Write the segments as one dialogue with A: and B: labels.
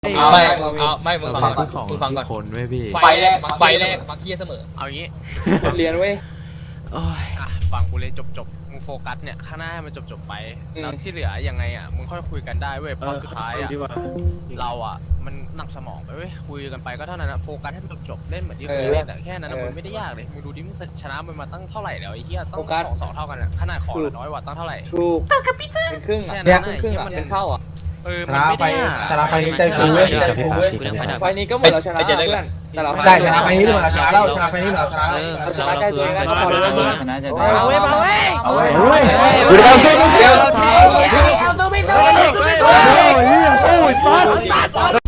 A: ไม่มึงฟังก่อนมึงฟังก่อน
B: คนไม่พี่
A: ไฟแรกมักเคียเสมอ
C: เอางี้
D: เรียนเว้ย
C: ฟังกูเลยจบมึงโฟกัสเนี่ยข้างหน้าให้มันจบไปแล้วที่เหลือยังไงอ่ะมึงค่อยคุยกันได้เว้ยเพราะสุดท้ายอ่ะเราอ่ะมันหนักสมองไปเว้ยคุยกันไปก็เท่านั้นนะโฟกัสให้มันจบเล่นเหมือนที่เคยเล่นแต่แค่นั้นมันไม่ได้ยากเลยมึงดูดิมึงชนะมันมาตั้งเท่าไหร่แล้วไอ้เหี้ยต้อง2-2เท่ากันอ่ะขนาดของน้อยกว่าตั้งเท่าไหร่
D: ถูกเป็นครึ่งอ่ะครึ่งอ่ะเป็นเท่าอ่ะ
C: มันไม่ได้
E: ชนะไปนี้ใจฟูเว้ยใจฟูเว้ย
D: ไฟนี้ก็เหมือนเราชนะเพื่อนแต่เรา
E: ได้ชนะไปนี้เหมือนเราชนะแล้วชนะไปนี้เหมือนเราชนะ
D: เราชนะใจตัวเองก็พอแล้วชนะใจตัวเอง
C: เอาเว้ย
E: เอาเว้ย
D: ดูดิ
E: เอาตัวไม่ตัวโอ้ยตัด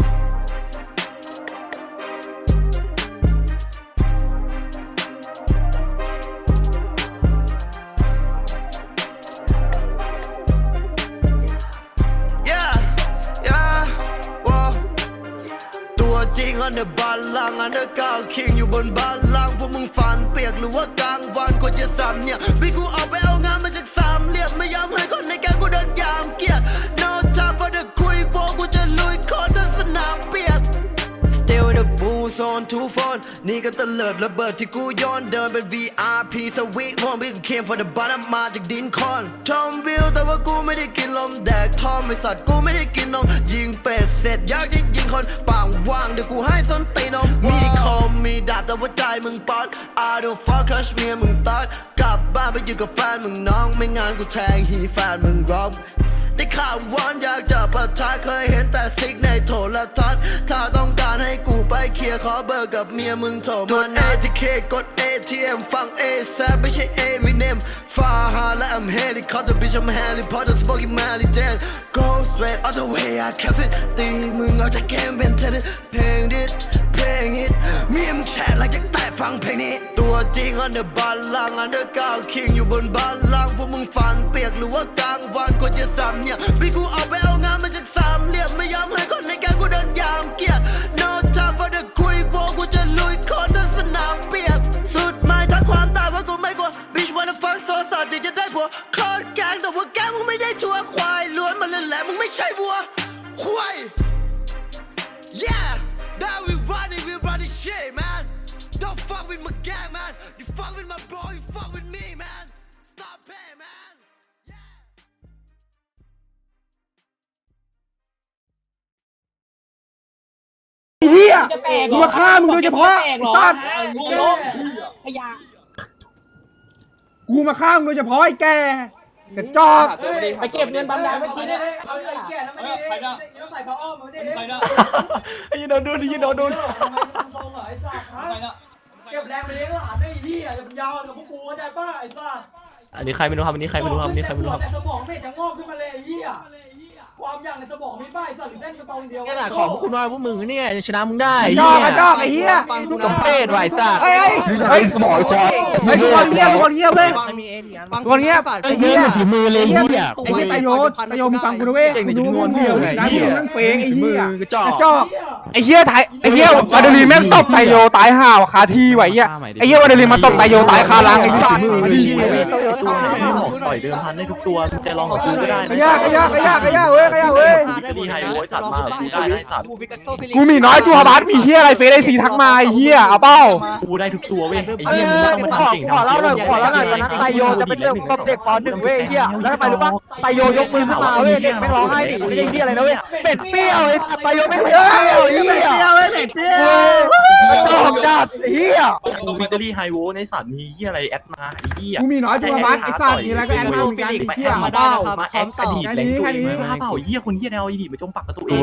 F: จริงอันเดอร์บัลลังอันเดอร์ก้าวคิงอยู่บนบัลลังพวกมึงฝันเปียกหรือว่ากลางวันควรจะซ้ำเนี่ยพี่กูออกไปเอางานมาจากสามเหลี่ยมไม่ยอมให้คนในแก๊งกูเดินยามเกียรติ No time for the คุยโฟกูจะลุยคอนทั้งสนามเปียก Still in the booth on two phone นี่ก็ตะเลิดระเบิดที่กูย้อนเดินเป็น VIP สวีทวงพี่กู came for the bottom มาจากดินคอนทอมวิลแต่ว่ากูไม่ได้กินลมแดกทอมไอสัตว์กูไม่ได้กินนมยิงเป็ดเสร็จอยากจะยิงคนปางว่างเดี๋ยวกูให้ส้นตีนมมีคอมมีดาบแต่ว่าใจมึงป๊อด I don't fuck คัชเมียมึงตัดกลับบ้านไปอยู่กับแฟนมึงน้องไม่งานกูแทงฮีแฟนมึงร้องได้ข่าววอนอยากจะปะทะเคยเห็นแต่ซิกในโทรทัศน์ถ้าต้องการให้กูไปเคลียร์ขอเบอร์กับเมียมึงโทรมา ATK กด ATM ฟัง ASAP ไม่ใช่ Eminem ฟาฮาและ I'm Helicopter bitch I'm Harry Potter Smoky Mally Dead Go straight all the way I kept it ตีมึงเอาจากเกมเป็นเทนนิสเพลงดิสเพลงฮิตเมียมึงแฉะlike จะแตะฟังเพลงนี้ตัวจริงอันเดอร์บัลลังอันเดอร์ก้าวคิงอยู่บนบัลลังพวกมึงฝันเปียกหรือว่ากลางวันควรจะซ้ำเนี่ยพี่กูออกไปเอางานมาจากสามเหลี่ยมไม่ยอมให้คนในแก๊งกูเดินยามเกียรติ No time for the คุยโฟกูจะลุยคอนทั้งสนามเปียกสุดไม่ทักความตายว่ากูไม่กลัว Bitch wanna fuck โซสัตว์ที่จะได้ผัวคอดแกงแต่ว่าแกงมึงไม่ได้ชัวร์ควายล้วนมาเลยแหละมึงไม่ใช่วัวควาย Yeah now we running shit man don't fuck with my gang man you fuck with my bro you fuck with me man stop playing man
E: เฮียกูมาฆ่ามึงโดยเฉพาะสัตว์กูมาฆ่ามึงโดยเฉพาะไอ้แกกระจอก
D: ไปเก็บเงินบำนาญเมื่อกี้นี่
G: เอาไอ้แก่แล้วไม่ได้ต้องใส่ผ้าอ้อมมาไม่ได้
E: ไอ้ยีโดนดูดิยีโดนดู
G: ทำไมทำทรงเหรอไอ้สัตว์เก็บแรงไปเลี้ยงหลานได้พี่อ่ะจะเป็นยาวกับพวกกูเข้าใจป่ะไอ้สัตว์
B: อันนี้ใครไม่รู้ครับอันนี้ใครไม่รู้ครับอันนี้ใครไม่รู้ครับ
G: แต่สมองไม่จะงอกขึ้นมาเลยไอ้เหี้ยความอย่างในสมองมีป้ายสัตว์หรือเส้นกระตองเดียว
C: ขนาดของพวกคุณน้อยพวกมึงเนี่ยชนะมึงได้
E: กระจอกไอ้เหี้ย
C: สมเพศไหวซ่า
E: เฮ้ยสมองควายทุกคนเงียบทุกคนเงียบเลยทุกคนเงียบไอ้เหี้ย
B: ฝีมือเลยเหี้ย
E: ไอ้เหี้ยตายโยมึงฟังกูนะเว้ยกูรู้มึงเหนียวนะมึงนั่งเฟงไอ้เหี้ยกระจอกไอ้เหี้ยไทยไอ้เหี้ยวาเดลีแม่งตบไตโยตายห่าวคาที่ไว้เหี้ยไอ้เหี้ยวาเดลีมาตบไตโยตายคาลังไอ้สัตว์มาดิ
B: ตัวไหนที่บอกต่อยเดิมพันได้ทุกตัวจะลองกับกูก็ได้
E: กระยากเว้ย
B: ดีไฮโวยสัตว์มากูได้สัตว์
E: กูมีน้อยจูฮาบาสมีเหี้ยอะไรเฟซไอซีทักมาไอ้เหี้ยเอาเป้า
B: กูได้ทุกตัวเว้ยไอ้เหี้ยมึงต้องมาทำเก่งขอเล่าหน่อยตอนนั้นไตโยจะเป็นเรื่องตบเด็กป.1เว้ยเหี้ยแล้วไปรู้ป่ะไตโยยกมือขึ้นมาเว้ยเด็กไม่ร้องไห้ดิไม่ใช่เหี้ยอะไรนะเว้ยเป็ดเปรี้ยวไอ้ไตโยไม่เปรี้ยวเหี้ยเป็ดเปรี้ยวตอบจัดเหี้ยวิกตอรี่ไฮโวในสัตว์มีเหี้ยอะไรแอดมาไอ้เหี้ย
E: กูมีน้อยจูฮาบาสไอ้สัตว์มีอะไรก็แอดมาเหมือนกันไอ้เหี้ยเอาเป้า
B: มาแอดอดีตแรงตัวเองมาเปล่าเหี้ยคนเหี้ยแนวอดีตมาจมปักกับตัวเอง